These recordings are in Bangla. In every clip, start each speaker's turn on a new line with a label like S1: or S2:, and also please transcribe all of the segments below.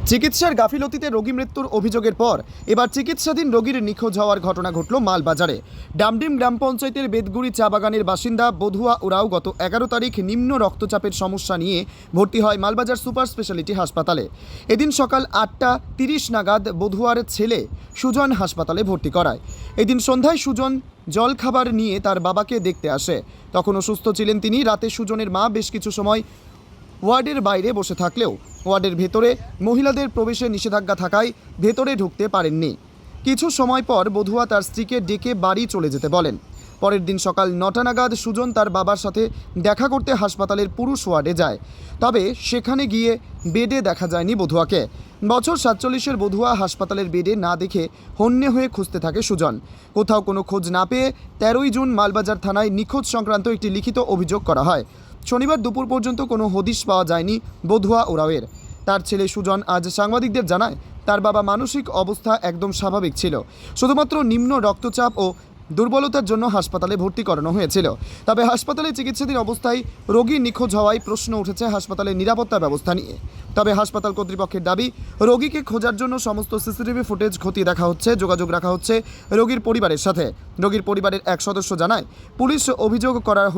S1: চিকিৎসার গাফিলতিতে রোগী মৃত্যুর অভিযোগের পর এবার চিকিৎসাধীন রোগীর নিখোঁজ হওয়ার ঘটনা ঘটল মালবাজারে। ডামডিম গ্রাম পঞ্চায়েতের বেদগুড়ি চা বাগানের বাসিন্দা বধুয়া ওরাও গত 11 তারিখ নিম্ন রক্তচাপের সমস্যা নিয়ে ভর্তি হয় মালবাজার সুপার স্পেশালিটি হাসপাতালে। এদিন সকাল 8টা 30 নাগাদ বধুয়ার ছেলে সুজন হাসপাতালে ভর্তি করায়। এদিন সন্ধ্যায় সুজন জলখাবার নিয়ে তার বাবাকে দেখতে আসে। তখন অসুস্থ ছিলেন তিনি। রাতে সুজনের মা বেশ কিছু সময় ওয়ার্ডের বাইরে বসে থাকলেও ওয়ার্ডের ভেতরে মহিলাদের প্রবেশে নিষেধাজ্ঞা থাকায় ভেতরে ঢুকতে পারেননি। কিছু সময় পর বধুয়া তার স্ত্রীকে ডেকে বাড়ি চলে যেতে বলেন। পরের দিন সকাল 9টা নাগাদ সুজন তার বাবার সাথে দেখা করতে হাসপাতালের পুরুষ ওয়ার্ডে যায়। তবে সেখানে গিয়ে বেডে দেখা যায়নি বধুয়াকে। বছর 47-এর বধুয়া হাসপাতালের বেডে না দেখে হন্যে হয়ে খুঁজতে থাকে সুজন। কোথাও কোনো খোঁজ না পেয়ে 13ই জুন মালবাজার থানায় নিখোঁজ সংক্রান্ত একটি লিখিত অভিযোগ করা হয়। শনিবার দুপুর পর্যন্ত কোনো হদিশ পাওয়া যায়নি বধুয়া ওরাওয়ের। তার ছেলে সুজন আজ সাংবাদিকদের জানায় তার বাবা মানসিক অবস্থা একদম স্বাভাবিক ছিল, শুধুমাত্র নিম্ন রক্তচাপ ও দুর্বলতার জন্য হাসপাতালে ভর্তি করানো হয়েছিল। তবে হাসপাতালে চিকিৎসাধীন অবস্থায় রোগী নিখোঁজ হওয়ায় প্রশ্ন উঠেছে হাসপাতালের নিরাপত্তা ব্যবস্থা নিয়ে। তবে হাসপাতাল কর্তৃপক্ষের দাবি, রোগীকে খোঁজার জন্য সমস্ত সিসিটিভি ফুটেজ খতিয়ে দেখা হচ্ছে, যোগাযোগ রাখা হচ্ছে রোগীর পরিবারের সাথে। রোগীর পরিবারের এক সদস্য জানায় পুলিশ অভিযোগ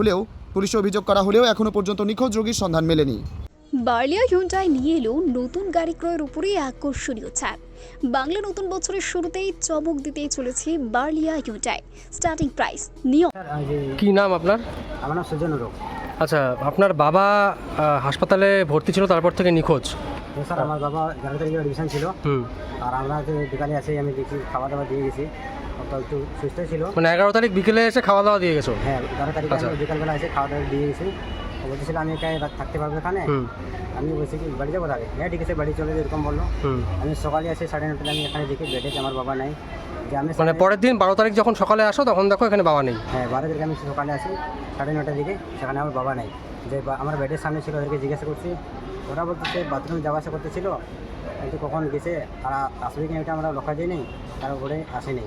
S1: করা হলেও এখনও পর্যন্ত নিখোঁজ রোগীর সন্ধান মেলেনি।
S2: বার্লিয়া হিউন্ডাই নিয়ে এলো নতুন গাড়ি ক্রয়ের উপরে আকর্ষণীয় ছাড়। বাংলা নতুন বছরের শুরুতেই চমক দিতেই চলেছে বার্লিয়া হিউন্ডাই। স্টার্টিং প্রাইস নিয়ম।
S3: কি নাম আপনার?
S4: আমার নাম সুজন ওরাও।
S3: আচ্ছা, আপনার বাবা হাসপাতালে ভর্তি ছিল, তারপর থেকে নিখোঁজ।
S4: স্যার আমার বাবা 11 তারিখে অ্যাডমিশন ছিল। আর আমরা বিকালে এসে আমি দেখি খাওয়া দাওয়া দিয়ে গেছি, তো একটু সুস্থ ছিল।
S3: মানে 11 তারিখ বিকেলে এসে খাওয়া দাওয়া দিয়ে গেছো?
S4: হ্যাঁ, 11 তারিখে আমি বিকালবেলা এসে খাওয়া দাওয়া দিয়ে গেছি। বলতেছিল আমি একাই থাকতে পারবো এখানে। আমি বলছি কি বাড়ি যাবো তাহলে? হ্যাঁ ঠিক আছে, বাড়ি চলে এরকম বললো। আমি সকালে আসে 9:30 আমি এখানে দেখি বেডে আমার বাবা নাই। যে আমি
S3: মানে পরের দিন 12 তারিখ যখন সকালে আসো তখন দেখো এখানে বাবা নেই?
S4: হ্যাঁ, 12 তারিখে আমি সকালে আসি 9:30 দিকে, সেখানে আমার বাবা নাই। যে আমার বেডের সামনে ছিল, ওদেরকে জিজ্ঞাসা করছি, ওরা বলতেছে বাথরুমে যাওয়া আসা করতেছিল, কিন্তু কখন গেছে তারা আসবে কিনা এটা আমরা লক্ষ্য দিই নেই, তারপরে আসেনি।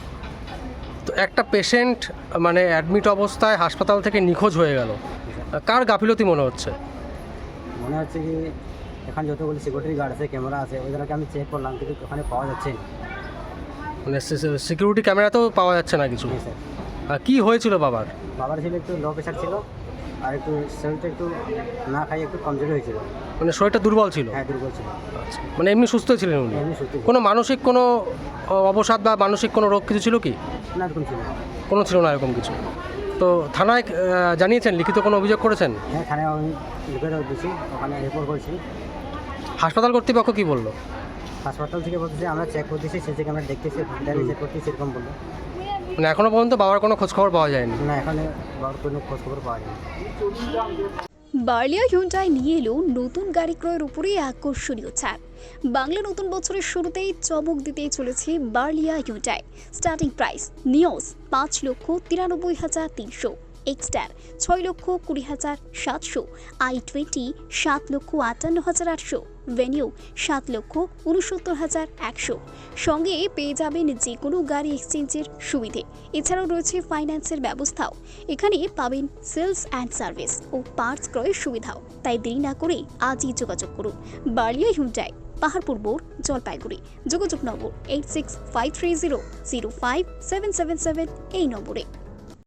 S3: তো একটা পেশেন্ট মানে অ্যাডমিট অবস্থায় হাসপাতাল থেকে নিখোঁজ হয়ে গেল, কার গাফিলতি মনে হচ্ছে?
S4: মনে হচ্ছে কি এখানে যতগুলো সিকিউরিটি গার্ড আছে, ক্যামেরা আছে, ওইগুলোকে আমি চেক করলাম, কিন্তু ওখানে পাওয়া যাচ্ছে না।
S3: মানে সিকিউরিটি ক্যামেরাতেও পাওয়া যাচ্ছে না কিছু?
S4: স্যার,
S3: কি হয়েছিল বাবার?
S4: বাবার ছিল একটু লো প্রেশার ছিল, আর একটু শরীরটা একটু না খাই একটু কমজোরি হয়েছিল।
S3: মানে শরীরটা দুর্বল ছিল?
S4: হ্যাঁ, দুর্বল ছিল।
S3: আচ্ছা, মানে এমনি সুস্থ ছিলেন উনি?
S4: এমনি সুস্থ।
S3: কোনো মানসিক কোনো অবসাদ বা মানসিক কোনো রোগ কিছু ছিল কি?
S4: না, এরকম ছিল না।
S3: কোনো ছিল না এরকম কিছু? তো থানায় জানিয়েছেন, লিখিত কোনো অভিযোগ করেছেন?
S4: হ্যাঁ, থানায় আমি লিখে দিয়েছি, ওখানে রিপোর্ট করেছি।
S3: হাসপাতাল কর্তৃপক্ষ কী বললো?
S4: হাসপাতাল থেকে বলতেছে আমরা চেক করতেছি, সিসি ক্যামেরা দেখতেছি, চেক করতেছি, এরকম বললো।
S3: মানে এখনও পর্যন্ত বাবার কোনো খোঁজখবর পাওয়া যায়নি?
S4: না, এখানে বাবার কোনো খোঁজখবর পাওয়া যায়নি।
S2: বার্লিয়া হিউন্ডাই নিয়ে এলো নতুন গাড়ি ক্রয়ের উপরে আকর্ষণীয় ছাড়। বাংলা নতুন বছরের শুরুতেই চমক দিতেই চলেছে Barlia Hyundai. Starting price Nios 5,93,300, Exter 6,20,700, i20 7,58,800, Venue 7,69,100। সঙ্গে পেয়ে যাবেন যে কোনো গাড়ি এক্সচেঞ্জের সুবিধে। এছাড়াও রয়েছে ফাইন্যান্সের ব্যবস্থাও। এখানে পাবেন সেলস অ্যান্ড সার্ভিস ও পার্টস ক্রয়ের সুবিধাও। তাই দেরি না করে আজই যোগাযোগ করুন বার্লিয়া হিউন্ডাই, পাহাড়পুর মোড়, জলপাইগুড়ি। যোগাযোগ নম্বর 8653005777 এই নম্বরে।